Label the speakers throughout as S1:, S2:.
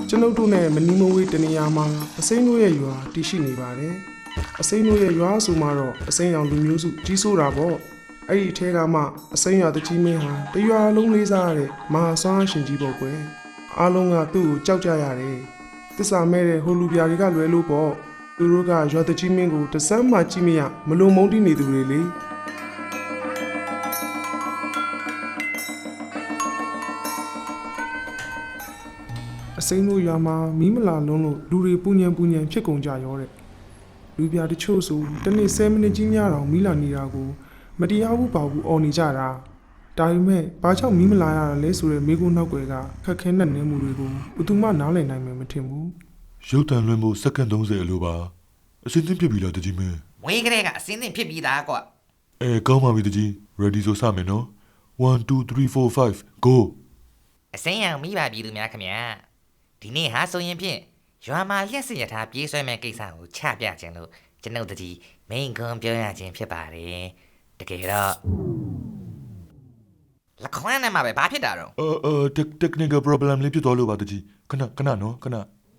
S1: ကျွန်ုပ်တို့နဲ့မနီမဝေးတနေရာမှာအစိမ်းတို့ရဲ့ရွာတည်ရှိနေပါတယ်အစိမ်းတို့ရဲ့ရွာဆိုမှတော့အစိမ်းရောင်လူမျိုးစုကြီးစိုးတာပေါ့အဲ့ဒီအထဲကမှအစိမ်းရွာတကြီးမင်းဟာတရွာလုံးလေးစားရတဲ့မဟာဆွမ်းရှင်ကြီးပေါ့ကွယ်အားလုံးကသူ့ကိုကြောက်ကြရတယ်တစ္ဆာမဲတဲ့ဟိုလူပြာတွေကလွယ်လို့ပေါ့သူတို့ကရွာတကြီးမင်းကိုတစမ်းမှကြည့်မရမလုံမုန်းတိနေသူတွေလေအစိမ်းတို့ရွာမှာမီးမလာလုံးလို့လူတွေပူညံဖြစ်ကုန်ကြရောတဲ့လူပြတချို့ဆိုတနေ့10မိနစ်ကြီးများတောင်မီးလာနေတာကိုမတရားဘူးပါဘူးအော်နေကြတာဒါပေမဲ့ဘာကြောင့်မီးမလာရတာလဲဆိုတဲ့မိကုနောက်ွယ်ကခက်ခဲနဲ့နေမှုတွေကိုဘယ်သူမှနားလည်နိုင်မယ်မထင်ဘူး
S2: ရုပ်တံလွှင့်မှုစက္ကန့်30အလိုပါအစင်းသင်းဖြစ်ပြီလားတကြီးမင်း
S3: ဝေးကလေးကအစင်းသင်းဖြစ်ပြီးသားကွာ
S2: ကောင်းပါပြီတကြီး ready ဆိုစမယ်နော်1 2 3 4 5 go
S3: အစင်းရောင်မိပါပြီသူများခင်ဗျာဒီနေ့ဟာဆိုရင်ဖြင့်ရွာမှာလျှက်စရထားပြေးဆွဲမဲ့ကိစ္စကိုချပြခြင်းလို့ကျွန်ုပ်တကြီးမိန်ခွန်းပြောရခြင်းဖြစ်ပါတယ်တကယ်တော့လက်ခွမ်းနဲ့မှာပဲဘာဖြစ်တာတော့
S2: technical problem လေးဖြစ်သွားလို့ပါတကြီးခဏနော်ခဏ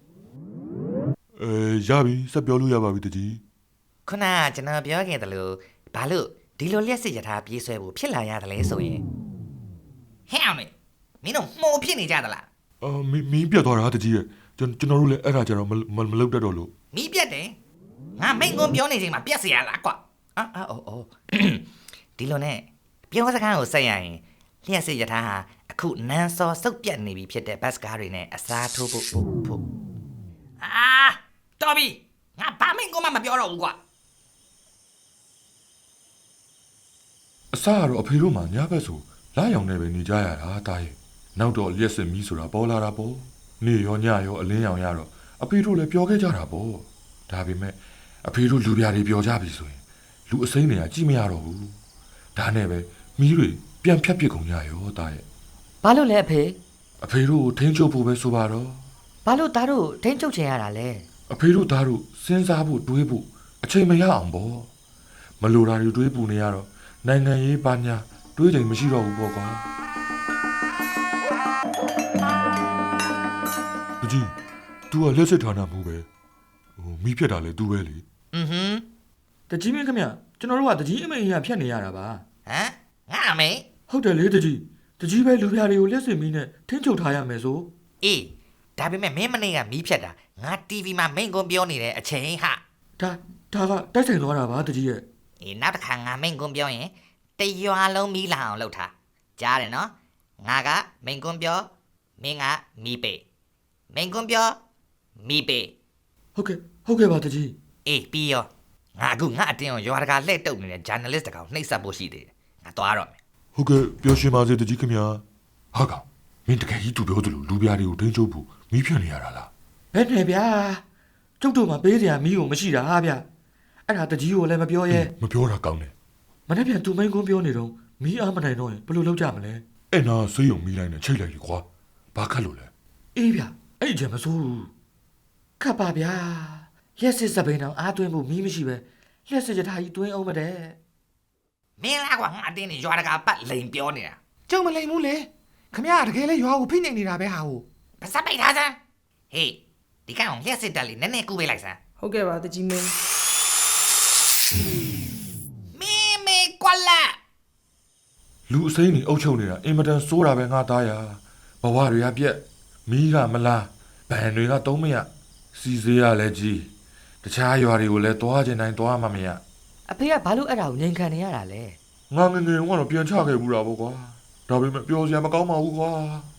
S2: ရပြီစက်ပြောလို့ရပါပြီတကြီး
S3: ခုနကကျွန်တော်ပြောခဲ့တယ်လို့ဘာလို့ဒီလိုလျှက်စရထားပြေးဆွဲဖို့ဖြစ်လာရတယ်လဲဆိုရင်ဟဲ့အောင်မင်းတို့မှုံဖြစ်နေကြသလား
S2: မင်းပြတ်သွားတာတကြီးရဲ့ကျွန်တော်တို့လည်းအဲ့ဒါကြတော့မလုပ်တတ်တော့လို့
S3: မီးပြတ်တယ်ငါမိန်ကွန်းပြောနေချိန်မှာပြတ်เสียရလားကွာဒီလိုနဲ့ပြောစကားကိုဆက်ရရင်လျှက်စစ်ရထားဟာအခုနန်းစောစုပ်ပြတ်နေပြီဖြစ်တဲ့ဘတ်စကားတွေနဲ့အစားထိုးဖို့တော်ပြီငါဘာမိန်ကွန်းမှမပြောတော့ဘူးကွာ
S2: အစားကတော့အဖေတို့မှညဘက်ဆိုလာရောင်နေပဲနေကြရတာတားရဲ့နောက်တော့လျှက်စစ်မီးဆိုတာပေါ်လာတာပေါ့နေရောညရောအလင်းရောင်ရတော့အဖေတို့လည်းပျော်ခဲ့ကြတာပေါ့ဒါပေမဲ့အဖေတို့လူပြားတွေပျော်ကြပြီဆိုရင်လူအစိမ်းတွေကကြည့်မရတော့ဘူးဒါနဲ့ပဲမီးတွေပြန်ဖြတ်ပစ်ကုန်ကြရောတားရဲ့
S3: ဘာလို့လဲအ
S2: ဖေတို့ထိန်းချုပ်ဖို့ပဲဆိုပါတော့
S3: ဘာလို့သားတို့ထိန်းချုပ်ချင်ရတာလဲ
S2: အဖေတို့သားတို့စဉ်းစားဖို့တွေးဖို့အချိန်မရအောင်ပေါ့မလိုတာတွေတွေးပူနေရတော့နိုင်ငံရေးပါညာတွေးချိန်မရှိတော့ဘူးပေါ့ကွာကြီး तू ကလက်စစ်ဌာနမှုပဲမီးဖြတ်တာလေ तू ပဲလေ
S4: တကြီးမင်းခင်ဗျကျွန်တော်တို့ကတကြီးအမေကြီးကဖြတ်နေရတာပါ
S3: ငါအမေ
S4: ဟုတ်တယ်လေတကြီးပဲလူပြားတွေကိုလက်စစ်မီးနဲ့ထင်းချုပ်ထားရမယ်ဆို
S3: အေးဒါပေမဲ့မင်းမနေ့ကမီးဖြတ်တာငါ TV မှာမိန်ကွန်းပြောနေတဲ့အချိန်ဟာ
S4: ဒါကတိုက်ဆိုင်သွားတာပါတကြီးရဲ့
S3: နောက်တစ်ခါငါမိန်ကွန်းပြောရင်တရွာလုံးမီးလာအောင်လုပ်ထားကြားတယ်နော်ငါကမိန်ကွန်းပြောမင်းကမီးပေမိန်ကွန်းပြောမီးပေ
S4: ဟုတ်ကဲ့ပါတကြီး
S3: အေးပြီးရောငါအခုငါအတင်းရွာတကာလှည့်တုပ်နေတဲ့ journalist တကောင်နှိပ်စက်ဖို့ရှိသေးတယ်ငါသွားတော့မယ်
S2: ဟုတ်ကဲ့ပြောရှင်ပါစေတကြီးခင်ဗျာဟာကောင်မင်းတကယ်ကြီးသူပြောသလိုလူပြားတွေကိုထိန်းချုပ်ဖို့မီးဖြတ်နေရတာလား
S4: ဘယ်နဲ့ဗျာကျုပ်တို့မှာပေးစရာမီးကိုမရှိတာဟာဗျအဲ့ဒါတကြီးကိုလည်းမပြောရဲ
S2: မပြောတာကောင်းတယ်
S4: မနေ့ပြန်သူမိန်ကွန်းပြောနေတော့မီးအားမနိုင်တော့ရင်ဘယ်လိုလုပ်ကြမလဲ
S2: အဲ့နာဆေးရုံမီးလိုက်နဲ့ချိတ်လိုက်လေကွာဘာခတ်လို့လဲ
S4: အေးဗျအဲ့ကျမစိုးဘူးခတ်ပါဗျာရက်စစ်စပိန်အောင်အားသွင်းဖို့မီးမရှိပဲလျှက်စစ်ကြထားကြီးသွင်းအောင်မတဲ့
S3: မင်းလားကွာငါအတင်းနေရွာတကာပတ်လိန်ပြောနေတာ
S4: ကျုံမလိန်ဘူးလေခမရတကယ်လဲရွာကိုဖိနေနေတာပဲဟာကို
S3: ပါစပိတ်ထားစမ်းဟေးဒီကောင်လျှက်စစ်တက်လေးနည်းနည်းကူပေးလိုက်စမ်း
S1: ဟုတ်ကဲ့ပါတကြီးမင်း
S3: မေကွာလာ
S2: လူအစိမ်းနေအုပ်ချုပ်နေတာအင်မတန်စိုးတာပဲငါသားရဘဝတွေကပြက်မီးကမလားဘန်တွေကသုံးမရစီစေးရလဲကြီးတခြားရွာတွေကိုလည်းသွားကျင်တိုင်းသွားမှမရ
S3: အဖေကဘာလို့အဲ့ဒါကိုငြိမ်ခံနေရတာလဲ
S2: ငါငယ်ကတော့ပြန်ချခဲ့ဘူးတာပေါ့ကွာဒါပေမဲ့ပြောစရာမကောင်းပါဘူးကွာ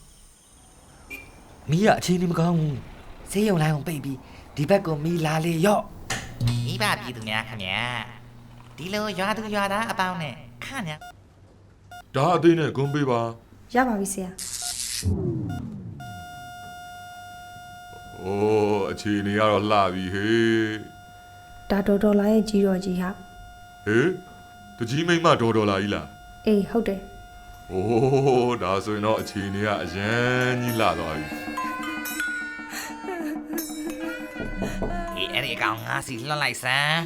S3: မီးကအခြေအနေမကောင်းဘူးဆေးရုံလိုင်းကိုပိတ်ပြီးဒီဘက်ကိုမီးလာလေရော့မိဘပြည်သူများခင်ဗျာဒီလိုရွာသူရွာသားအပေါင်းနဲ့ခါညာ
S2: ဒါအသေးနဲ့ဂုံးပေးပါ
S5: ရပါပြီဆရာ
S2: အိုးအခြေအနေကတော့လှပြီဟေး
S5: ဒါတော်လာရဲ့ကြီးတော်ကြီးဟာ
S2: ဟေးတကြီးမိမတော်လာကြီးလား
S5: အေးဟုတ်တယ်
S2: အိုးဒါဆိုရင်တော့အခြေအနေကအရန်ကြီးလှသွားပြီ
S3: အဲ့ဒီကောင်ငါစီလွတ်လိုက်စမ်း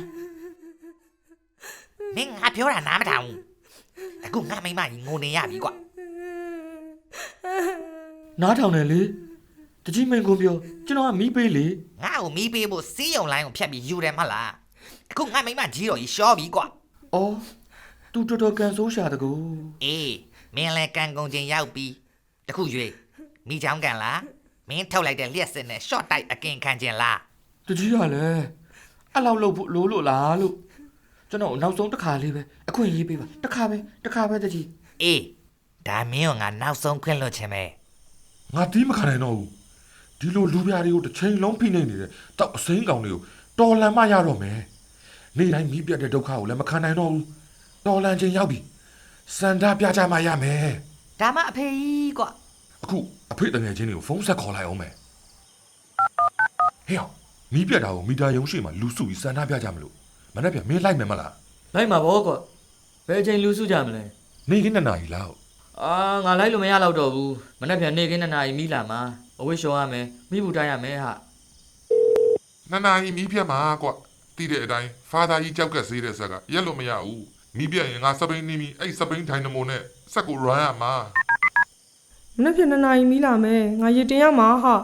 S3: မင်းငါပြောတာနားမထောင်အခုငါမိမကြီးငိုနေရပြီကွာ
S4: နားထောင်တယ်လေတကြီးမင်းကိုပြောကျွန်တော်ကမီးပေးလေ
S3: ငါ့ကိုမီးပေးဖို့စီးရုံလိုင်းကိုဖြတ်ပြီးယူတယ်မဟုတ်လားအခုငါမိမကြီးတော်ကြီးရှော့ပြီကွာ
S4: အော်သူတော်တော်ကန်ဆိုးရှာတကူ
S3: အေးမင်းလည်းကန်ကုန်ချင်းရောက်ပြီးတခုရွေးမိချောင်းကန်လားမင်းထုတ်လိုက်တဲ့လျှက်စစ်နဲ့ short တိုက်အကင်ခံခြင်းလား
S4: တကြီးကလည်းအဲ့လောက်လုပ်ဖို့လို့လားလို့ကျွန်တော်နောက်ဆုံးတစ်ခါလေးပဲအခွင့်ရေးပေးပါတစ်ခါပဲတကြီး
S3: အေးဒါမင်းကငါနောက်ဆုံးခွင့်လွှတ်ခြင်းပဲ
S2: ငါတီးမခံနိုင်တော့ဘူးဒီလိုလူပြားတွေကိုတစ်ချိန်လုံးဖိနေနေတဲ့တောက်အစိမ်းကောင်တွေကိုတော်လန်မှရတော့မယ်နေ့တိုင်းမိပြတ်တဲ့ဒုက္ခကိုလည်းမခံနိုင်တော့ဘူးတော်လန်ချင်းရောက်ပြီစန္ဒပြကြမှရမယ်
S3: ဒါမှအဖေကြီးကွာ
S2: အခုအဖေတငယ်ချင်းတွေကိုဖုန်းဆက်ခေါ်လိုက်အောင်မယ်ဟေ့မိပြတ်တာကိုမီတာယုံရှိမှလူစုပြီးစန္ဒပြကြမလို့မနေ့ပြန်မင်းလိုက်မယ်မလား
S4: လိုက်မှာပေါ့ကွာဘယ်ချိန်လူစုကြမလဲ
S2: နေ့ကနေ့နာရီလောက်
S4: အာငါလိုက်လို့မရတော့တော့ဘူးမနေ့ပြန်နေခင်း2 နာရီမိလာမှာအဝိရှော်ရမယ်မိဘူးတိုင်းရမယ်ဟာ
S6: နှစ်နာရီမီးပြတ်မှာကွတီးတဲ့အတိုင်းဖာသာကြီးကြောက်ကက်စေးတဲ့ဆက်ကရက်လို့မရဘူးမီးပြတ်ရင်ငါစပိန်နေပြီအဲ့စပိန်ဒိုင်နမိုနဲ့ဆက်ကို run ရမှာ
S1: မနေ့ပြန်2 နာရီမီးလာမယ်ငါရတင်ရမှာဟာ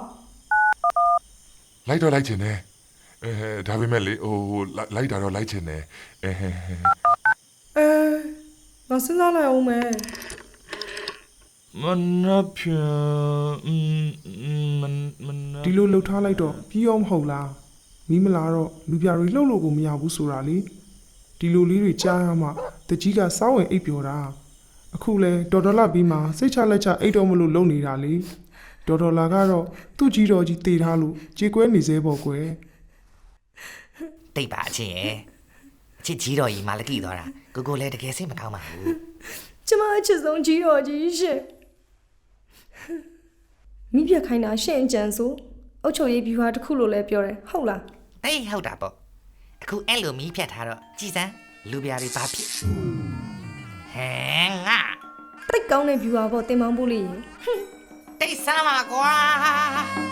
S6: လိုက်တော့လိုက်ချင်တယ်ဒါပေမဲ့လေဟိုလိုက်တာတော့လိုက်ချင်တယ်
S1: ငါစဉ်းစားလိုက်အောင်မယ်
S2: မနေ့ပြန်
S1: ဒီလိုလှုပ်ထားလိုက်တော့ပြီးရောမဟုတ်လားမီးမလာတော့လူပြတွေလှုပ်လို့ကိုမရဘူးဆိုတာလေဒီလိုလေးတွေကြားရမှတကြီးကစောင်းဝင်အိပ်ပျော်တာအခုလဲဒေါ်လာပြီးမှစိတ်ချလက်ချအိတ်တော့မလို့လုံနေတာလေဒေါ်လာကတော့သူ့ကြီးတော်ကြီးတေထားလို့ကြေကွဲနေသေးပေါ့ကွယ်
S3: တိတ်ပါအချင်းရဲ့အချစ်ကြီးတော်ကြီးမာလကီသွားတာကိုလည်းတကယ်စိတ်မကောင်းပါဘူး
S5: ကျမအချစ်ဆုံးကြီးတော်ကြီးရှင်မိပြခိုင်းတာရှင့်ကြံဆိုအုတ်ချုပ်ရေးပြူဟာတစ်ခုလို့လဲပြောတယ်ဟုတ်လား
S3: အေးဟုတ်တာပေါ့အခုအဲ့လိုမီးဖြတ်ထားတော့ကြည်စမ်းလူပြားတွေဘာဖြစ်ဟမ်ငါ
S5: တိတ်ကောင်းတဲ့ပြူဟာပေါ့တင်မောင်းဖို့လေးရင်
S3: တိတ်ဆမ်းပါကွာ